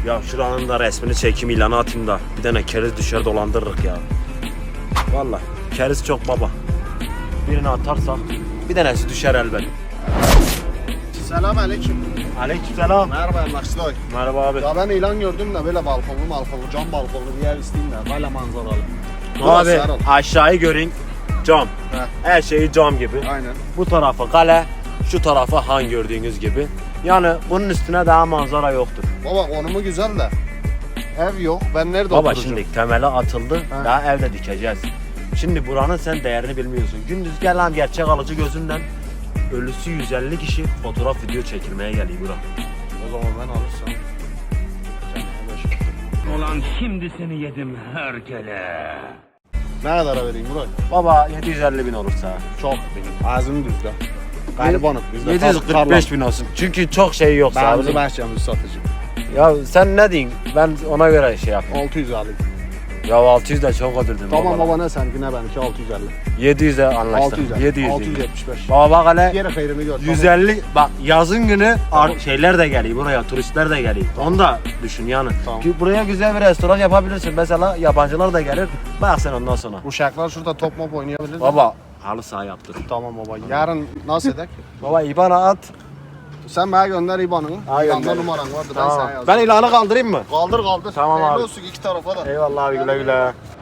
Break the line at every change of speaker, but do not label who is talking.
Ya şuranın da resmini çekeyim, ilanı atayım da bir tane keriz düşer dolandırırık ya. Vallahi keriz çok baba. Birini atarsak bir tanesi düşer elbet.
Selam aleyküm.
Aleykümselam.
Merhaba Emlakçılar.
Merhaba abi.
Ya ben ilan gördüm de böyle balkonlu cam balkonlu bir yer isteyeyim de böyle manzaralı.
Abi
Serhat.
aşağıyı görün, cam.
Heh.
Her şeyi cam gibi.
Aynen.
Bu tarafı kale, şu tarafı han gördüğünüz gibi. Yani bunun üstüne daha manzara yoktur.
Baba konumu güzel de ev yok. Ben nerede
Baba
oturacağım?
şimdi temeli atıldı,
He.
daha evde dikeceğiz. Şimdi buranın sen değerini bilmiyorsun. Gündüz gelen gerçek alıcı gözünden ölüsü 150 kişi fotoğraf video çekilmeye geliyor bura.
O zaman ben alırsam.
Ulan şimdi seni yedim herkele.
Ne kadara vereyim Burak?
Baba 750 bin olursa.
Çok. Ağzını düzle. Garibanım. Bizde
745 bin olsun. Çünkü çok şey yok
Ben
abi.
bizi bahçemizi satacağım.
Ya sen ne diyorsun? Ben ona göre şey yapayım.
600 alayım.
Ya 600 de çok ödürdün
Tamam
baba.
baba ne seninki ne benimki 650.
700'e anlaştık.
600
700.
675.
Baba bak hele
Yere hayrını gör.
150 bak yazın günü
Tamam.
şeyler de geliyor buraya, turistler de geliyor. Onu da düşün yani.
Tamam.
Buraya güzel bir restoran yapabilirsin. Mesela yabancılar da gelir. Bak sen ondan sonra.
Bu uşaklar şurada top mop oynayabilir.
Baba halı saha yaptır.
Tamam baba. Yarın nasıl edek?
Baba IBAN'a at.
Sen bana gönder IBAN'ını.
Ha,
İBAN'da
gönder.
numaran vardı ben
Tamam.
sana yazdım.
Ben ilanı kaldırayım mı?
Kaldır.
Tamam
Hayırlı
abi.
olsun iki tarafa da.
Eyvallah abi, güle güle.